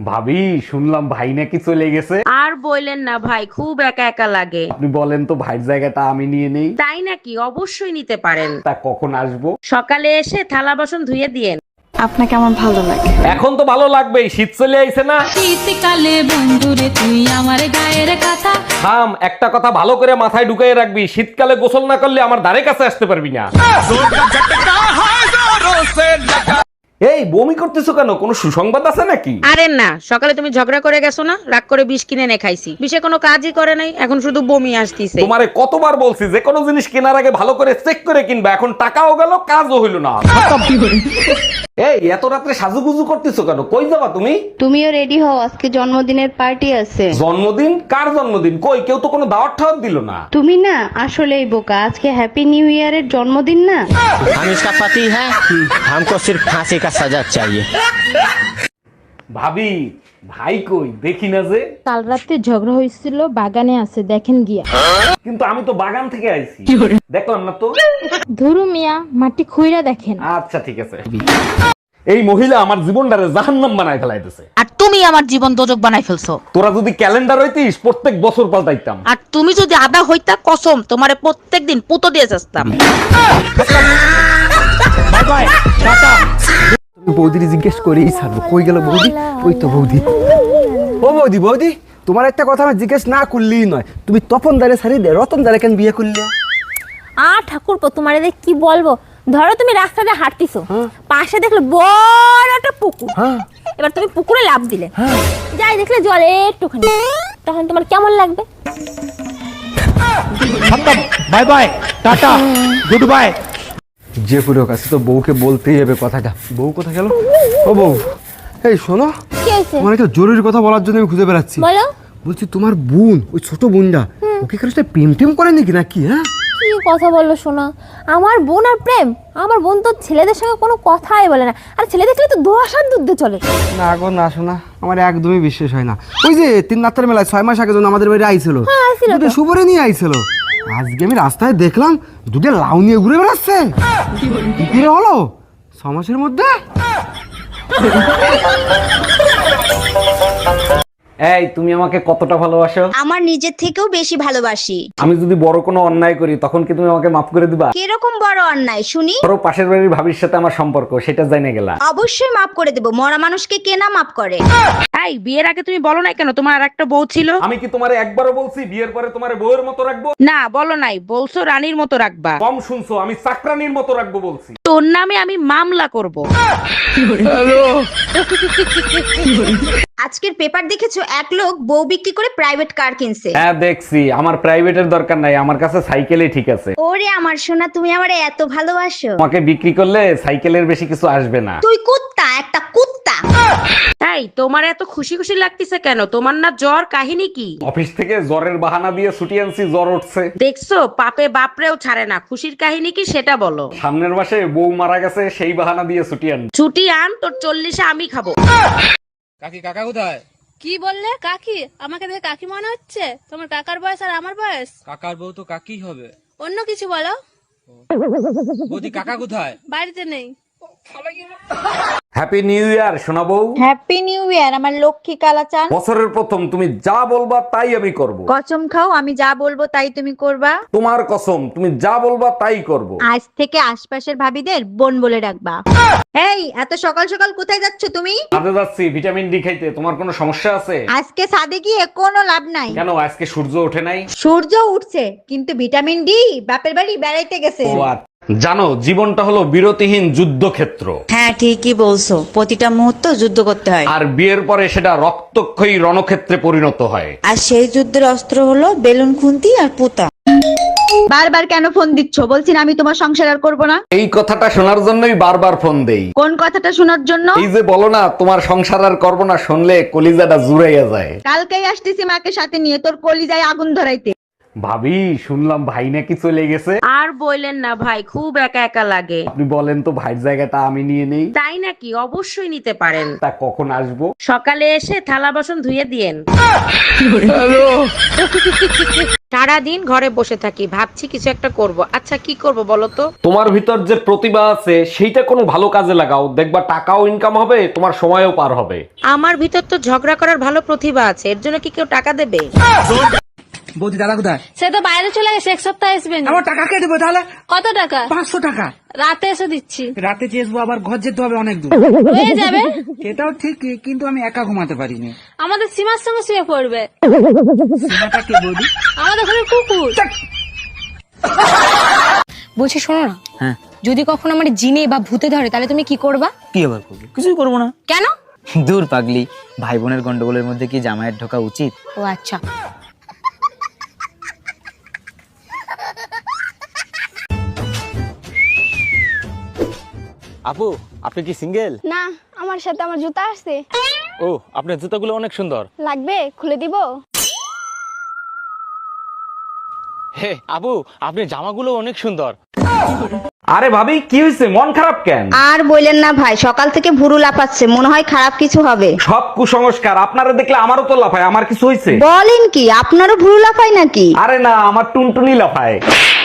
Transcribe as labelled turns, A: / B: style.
A: ভাবি, শুনলাম ভাই নাকি চলে গেছে।
B: আর বললেন না ভাই, খুব একা একা লাগে।
A: আপনি বলেন তো ভাইয়ের জায়গাটা আমি নিয়ে নেই।
B: তাই নাকি? অবশ্যই নিতে পারেন।
A: তা কখন আসবো?
B: সকালে এসে থালা বাসন ধুয়ে দিয়েন।
C: আপনাকে আমার ভালো লাগে।
A: এখন তো ভালো লাগবেই, শীত চলে আইছে না।
D: শীতকালে বন্ধুরে তুই আমার গায়ের কথা।
A: থাম, একটা কথা ভালো করে মাথায় ঢুকাই রাখবি, শীতকালে গোসল না করলে আমার ধারে কাছে আসতে পারবি না। এই বমি করতেছো কেন? কোনো সুসংবাদ আছে নাকি?
B: আরে না, সকালে তুমি ঝগড়া করে গেছো না, রাগ করে বিষ কিনে এনে খাইছি। বিষে কোনো কাজই করে নাই, এখন শুধু বমি আসতিছে।
A: তোমারে কতবার বলছি যে কোনো জিনিস কেনার আগে ভালো করে চেক করে কিনবা, এখন টাকাও গেল কাজও হইল না। এই এত রাত্রে সাজুগুজু করতেছো কেন? কই যাবা তুমি?
C: তুমিও রেডি হও, আজকে জন্মদিনের পার্টি আছে।
A: জন্মদিন? কার জন্মদিন? কই কেউ তো কোনো দাওয়াত ঠাওয়াত দিল না।
C: তুমি না আসলেই বোকা, আজকে হ্যাপি নিউ ইয়ারের জন্মদিন না।
E: हम इसका पति है, हमको सिर्फ फांसी का सजा चाहिए।
A: ভাবি, ভাই কই দেখি না যে।
F: কাল রাতে ঝগড়া হয়েছিল, বাগানে আছে, দেখেন গিয়া।
A: কিন্তু আমি তো বাগান থেকে আইছি, দেখলাম না তো।
F: ধরু মিয়া, মাটি খুইরা দেখেন।
A: আচ্ছা ঠিক আছে। এই মহিলা আমার জীবনটারে জাহান্নাম বানায় ফেলাইতেছে।
B: আর তুমি আমার জীবন দোজক বানাই ফেলছো।
A: তোরা যদি ক্যালেন্ডার হইতিস প্রত্যেক বছর পাল্টাইতাম।
B: আর তুমি যদি আদা হইতা, কসম তোমারে প্রত্যেকদিন পুতো দিয়ে যাস্তাম।
G: বৌদির জিজ্ঞেস করেই ছাড়বো, কই গেল বৌদি? ওই তো বৌদি। ও বৌদি, বৌদি তোমার একটা কথা আমি জিজ্ঞেস না করলেই নয়, তুমি তপন দারে ছাড়ি দে রতন দারে কেন বিয়ে করলে?
H: ঠাকুরপো, তোমার এদের কি বলবো। ধরো তুমি রাস্তাতে হাঁটতিছো, পাশে দেখলে বড় একটা পুকুর। এবার তুমি পুকুরে লাফ দিলে, যাই দেখলে জলে একটুখানি, তখন তোমার কেমন লাগবে?
G: Bye bye, tata, goodbye. যে পুরো কাছে তো বউকে বলতেই হবে কথাটা। বউ কোথায় গেল? ও বউ, এই শোনো,
H: কি হয়েছে?
G: তোমার একটা জরুরি কথা বলার জন্য আমি খুঁজে বেড়াচ্ছি।
H: বলো।
G: বলছি তোমার বোন, ওই ছোট বোনটা, ওকে কারোর সাথে প্রেম টেম করে নাকি নাকি? হ্যাঁ,
H: কি কথা বললো শোনা? আমার বোন আর প্রেম? আমার বোন তো ছেলেদের সঙ্গে কোনো কথাই বলে না, আর ছেলে দেখলে তো দোয়াশার দুধে চলে।
G: না গো না শোনা, আমার একদমই বিশ্বাস হয় না। ওই যে তিন রাত্রের মেলায় 6 মাস আগে যখন আমাদের বাড়ি আইছিল, দুটো শুভরে নিয়ে আইছিল। আজকে আমি রাস্তায় দেখলাম দুটো লাউ নিয়ে ঘুরে বেড়াচ্ছে। কি করে হলো 6 মাসের মধ্যে?
A: এই তুমি আমাকে কতটা ভালোবাসো?
I: আমার নিজের থেকেও বেশি ভালোবাসি।
A: আমি যদি বড় কোনো অন্যায় করি তখন কি তুমি আমাকে মাফ করে দিবা?
I: কিরকম বড় অন্যায় শুনি?
A: ধরো পাশের বাড়ির ভাবির সাথে আমার সম্পর্ক, সেটা জানে গেলা।
I: অবশ্যই মাফ করে দেব, মরা মানুষকে কে না মাফ করে?
B: এই বিয়ের আগে তুমি বলো নাই কেন তোমার আর একটা বউ ছিল?
A: আমি কি তোমারে একবারও বলছি বিয়ের পরে তোমারে বউয়ের মতো রাখবো?
B: না বলো নাই, বলছো রানীর মতো রাখবা।
A: কম শুনছো, আমি চাকরানির মতো রাখবো বলছি।
B: তোর নামে আমি মামলা করব।
I: আজকের পেপার দেখেছো, এক লোক বউ বিক্রি করে প্রাইভেট কার কিনছে।
A: হ্যাঁ দেখছি, আমার প্রাইভেটের দরকার নাই, আমার কাছে সাইকেলই ঠিক আছে।
I: ওরে আমার সোনা, তুমি আমারে এত ভালোবাসো।
A: তোমাকে বিক্রি করলে সাইকেলের বেশি কিছু আসবে না।
I: তুই কুত্তা, একটা কুত্তা।
B: এই তোমার এত খুশি খুশি লাগতেছে কেন? তোমার না জ্বর? কাহিনী কি?
A: অফিস থেকে জ্বরের বাহানা দিয়ে ছুটি আনছি, জ্বর উঠছে।
B: দেখছো, পাপে বাপরেও ছাড়ে না। খুশির কাহিনী কি সেটা বলো।
A: সামনের মাসে বউ মারা গেছে, সেই বাহানা দিয়ে ছুটি আন।
B: ছুটি আন, তোর 40-এ আমি খাবো।
E: কাকি, কাকা কোথায়?
H: কি বললে? কাকি? আমাকে দেখে কাকি মনে হচ্ছে? তোমার কাকার বয়স আর আমার বয়স?
E: কাকার বউ তো কাকি হবে।
H: অন্য কিছু বলো।
E: বৌদি, কাকা কোথায়?
H: বাড়িতে নেই।
A: হ্যাপি নিউ ইয়ার সোনা বউ।
I: হ্যাপি নিউ ইয়ার আমার লক্ষ্মী কালাচান।
A: বছরের প্রথম, তুমি যা বলবা তাই আমি করব।
I: কসম খাও, আমি যা বলবো তাই তুমি করবা।
A: তোমার কসম, তুমি যা বলবা তাই করব।
I: আজ থেকে আশপাশের ভাবিদের বোন বলে ডাকবা। এই এত সকাল সকাল কোথায় যাচ্ছ তুমি?
A: কাজে যাচ্ছি ভিটামিন ডি খাইতে। তোমার কোনো সমস্যা আছে?
I: আজকে ছাদে গিয়ে কোনো লাভ নাই।
A: কেন, আজকে সূর্য ওঠে নাই?
I: সূর্য উঠছে, কিন্তু ভিটামিন ডি বাপের বাড়ি বেড়াইতে গেছে।
A: ও আচ্ছা। জানো, জীবনটা হলো বিরতিহীন যুদ্ধক্ষেত্র।
J: হ্যাঁ ঠিকই বলছো, প্রতিটা মুহূর্ত যুদ্ধ করতে হয়,
A: আর বিয়ের পরে সেটা রক্তক্ষয়ী রণক্ষেত্রে পরিণত হয়।
J: আর সেই যুদ্ধের অস্ত্র হলো বেলুন, খুন্তি আর পুতা।
I: বারবার কেন ফোন দিচ্ছ? বলছি না আমি তোমার সংসার আর করবো না।
A: এই কথাটা শোনার জন্যই বারবার ফোন দেই।
I: কোন কথাটা শোনার জন্য?
A: এই যে বলো না তোমার সংসার আর করবো না, শুনলে কলিজাটা জুড়াইয়া যায়।
I: কালকেই আসতেছি মাকে সাথে নিয়ে তোর কলিজায় আগুন ধরাইতে।
A: ভাবি শুনলাম ভাই নাকি চলে গেছে।
B: আর বললেন না ভাই, খুব একা একা লাগে।
A: আপনি বলেন তো ভাইয়ের জায়গাটা আমি নিয়ে নেই।
B: তাই নাকি? অবশ্যই নিতে পারেন।
A: তা কখন আসবো?
B: সকালে এসে থালা বাসন ধুয়ে দিয়েন। সারাদিন ঘরে বসে থাকি, ভাবছি কিছু একটা করব। আচ্ছা কি করব বলো তো?
A: তোমার ভিতর যে প্রতিভা আছে সেইটা কোনো ভালো কাজে লাগাও, দেখবা টাকাও ইনকাম হবে, তোমার সময়ও পার হবে।
B: আমার ভিতর তো ঝগড়া করার ভালো প্রতিভা আছে, এর জন্য কি কেউ টাকা দেবে?
G: বৌদি দাদা কোথায়?
H: সে তো বাইরে চলে গেছে, এক সপ্তাহ আসবে না।
G: আমার টাকা কে দেবো তাহলে?
H: কত টাকা?
G: 500 টাকা।
H: রাতে এসে দিচ্ছি।
G: রাতে চেয়েছবো, আবার ঘর যেতে হবে অনেক দূর।
H: হয়ে যাবে।
G: সেটাও ঠিক, কিন্তু আমি একা ঘুমাতে পারিনি।
H: আমাদের সীমার সঙ্গে শুয়ে পড়বে।
G: সীমাটা কে বৌদি?
H: আমাদের ঘরে কুকুর।
F: বলছি শোনো না,
E: হ্যাঁ
F: যদি কখনো আমার জিনে বা ভূতে ধরে তাহলে তুমি কি করবা?
E: কি আবার করবো? কিছুই করবো না।
F: কেন?
E: দূর পাগলি, ভাই বোনের গন্ডগোলের মধ্যে কি জামাইয়ের ঢোকা উচিত?
F: ও আচ্ছা।
E: আপু আপনি কি সিঙ্গেল?
H: না, আমার সাথে আমার জুতা আসছে।
E: ও, আপনার জুতাগুলো অনেক সুন্দর।
H: লাগবে? খুলে দিব?
E: হে আপু, আপনার জামাগুলো অনেক সুন্দর।
A: আরে ভাবি কি হয়েছে, মন খারাপ কেন?
I: আর বললেন না ভাই, সকাল থেকে ভুরু লাফাচ্ছে, মনে হয় খারাপ কিছু হবে।
A: সব কুসংস্কার, আপনারা দেখলে আমারও তো লাফায়। আমার কিছু হয়েছে?
I: বলেন কি, আপনারও ভুরু লাফায় নাকি?
A: আরে না, আমার টুনটুনি লাফায়।